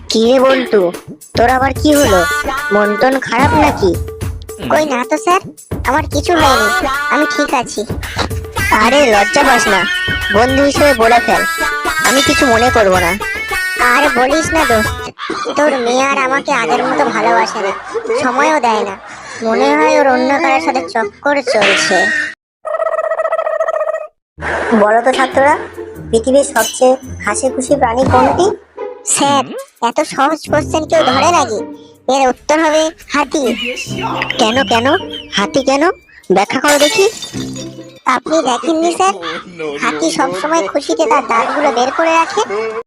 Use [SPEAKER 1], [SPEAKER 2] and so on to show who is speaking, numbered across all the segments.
[SPEAKER 1] কি রে বল্টু, তোর আবার কি হলো? মন টন খারাপ নাকি?
[SPEAKER 2] কই না তো স্যার, আমার কিছু হয়নি, আমি ঠিক আছি।
[SPEAKER 1] আরে লজ্জা পাস না, বন্ধু হিসেবে বলে ফেল, আমি কিছু মনে করব না।
[SPEAKER 2] আর বলিস না দোস্ত, তোর মেয়ে আর আমাকে আগের মতো ভালোবাসে না, সময়ও দেয় না। মনে হয় ওর অন্য কারোর সাথে চক্কর চলছে।
[SPEAKER 1] বলো তো ছাত্ররা, পৃথিবীর সবচেয়ে হাসি খুশি প্রাণী কোনটি?
[SPEAKER 2] স্যার, এত সহজ কোশ্চেন কেউ ধরে নাকি? এর উত্তর হবে হাতি।
[SPEAKER 1] কেন কেন? হাতি কেন? ব্যাখ্যা করো দেখি।
[SPEAKER 2] আপনি দেখেননি স্যার, হাতি সবসময় খুশিতে তার দাঁতগুলো বের করে রাখে।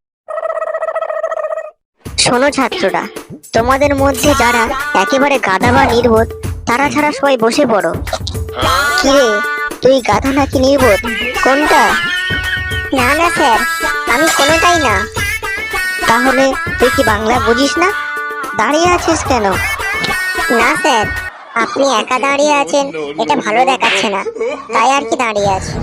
[SPEAKER 1] শোনো ছাত্ররা, তোমাদের মধ্যে যারা একেবারে গাধা বা নির্বোধ, তারা ছাড়া সবাই বসে পড়ো। কিরে, তুই গাধা নাকি নির্বোধ, কোনটা?
[SPEAKER 2] না না স্যার, আমি কোনোটাই না।
[SPEAKER 1] তাহলে তুই কি বাংলা বুঝিস না? দাঁড়িয়ে আছিস কেন?
[SPEAKER 2] না স্যার, আপনি একা দাঁড়িয়ে আছেন এটা ভালো দেখাচ্ছে না, তাই আর কি দাঁড়িয়ে আছি।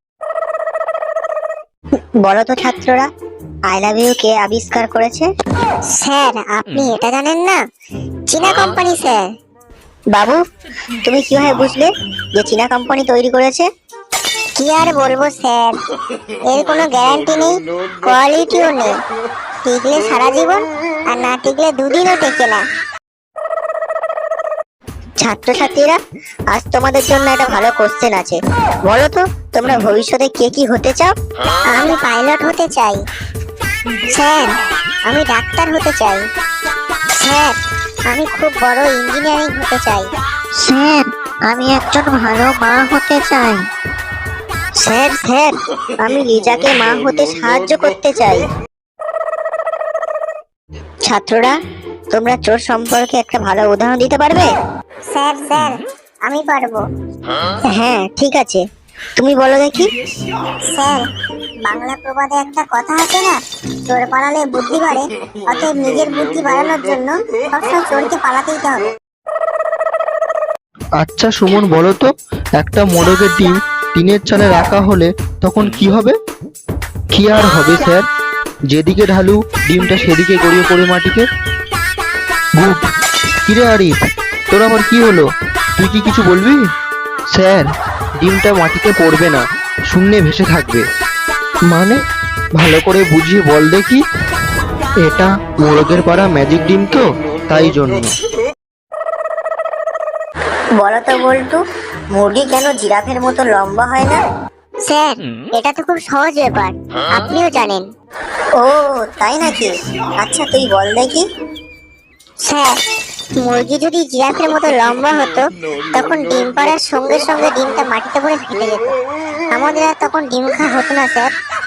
[SPEAKER 1] বলো তো ছাত্ররা, আই লাভ ইউ কে আবিষ্কার করেছে?
[SPEAKER 2] স্যার, আপনি এটা জানেন না? চীনা কোম্পানি স্যার।
[SPEAKER 1] বাবু, তুমি কিভাবে বুঝলে যে চীনা কোম্পানি তৈরি করেছে?
[SPEAKER 2] কি আর বলবো স্যার, এর কোনো গ্যারান্টি নেই, কোয়ালিটিও নেই। টিকলে সারা জীবন, আর না টিকলে দুদিনও টেকে না।
[SPEAKER 1] ছাত্রছাত্রীরা, আজ তোমাদের জন্য একটা ভালো কোশ্চেন আছে। বলো তো, তোমরা ভবিষ্যতে কে কি হতে চাও?
[SPEAKER 2] আমি পাইলট হতে চাই। স্যার, আমি ডাক্তার হতে চাই। স্যার, আমি খুব বড় ইঞ্জিনিয়ারিং হতে চাই।
[SPEAKER 1] স্যার, আমি একজন ভালো মা হতে চাই। স্যার স্যার, আমি লিজাকে মা হতে সাহায্য করতে চাই। ছাত্ররা, তোমরা চোর সম্পর্কে একটা ভালো উদাহরণ দিতে পারবে?
[SPEAKER 2] স্যার স্যার, আমি পারবো।
[SPEAKER 1] হ্যাঁ ঠিক আছে, তুমি বলো দেখি।
[SPEAKER 2] স্যার, বাংলা প্রবাদে একটা কথা আছে না, চোর পালালে বুদ্ধি বাড়ে। অতএব নিজের বুদ্ধি বাড়ানোর জন্য সবসময় চোরকে পালাতেই হবে।
[SPEAKER 3] আচ্ছা সুমন, বলো তো, একটা মোরগের ডিম টিনের চালে রাখা হলে তখন কি হবে? কি আর হবে স্যার, যেদিকে ঢালু ডিমটা সেদিকে গড়িয়ে পড়ে মাটিতে। গুড। কিরে আরিফ, তোর আবার কি হলো? তুই কি কিছু বলবি? স্যার, ডিমটা মাটিতে পড়বে না, শূন্যে ভেসে থাকবে। মানে, ভালো করে বুঝিয়ে বল দেখি। এটা মোরগের পাড়া ম্যাজিক ডিম তো, তাই জন্য।
[SPEAKER 1] বলো তো বল্টু, মুরগি কেন জিরাফের মতো লম্বা হয় না?
[SPEAKER 2] স্যার, এটা তো খুব সহজ ব্যাপার, আপনিও জানেন।
[SPEAKER 1] ও তাই নাকি? আচ্ছা তুই বল দেখি।
[SPEAKER 2] স্যার, মুরগি যদি জিরাফের মতো লম্বা হতো, তখন ডিম পাড়ার সঙ্গে সঙ্গে ডিমটা মাটিতে পড়ে ফেটে যেত। আমাদের আর তখন ডিম খাওয়া হতো না স্যার।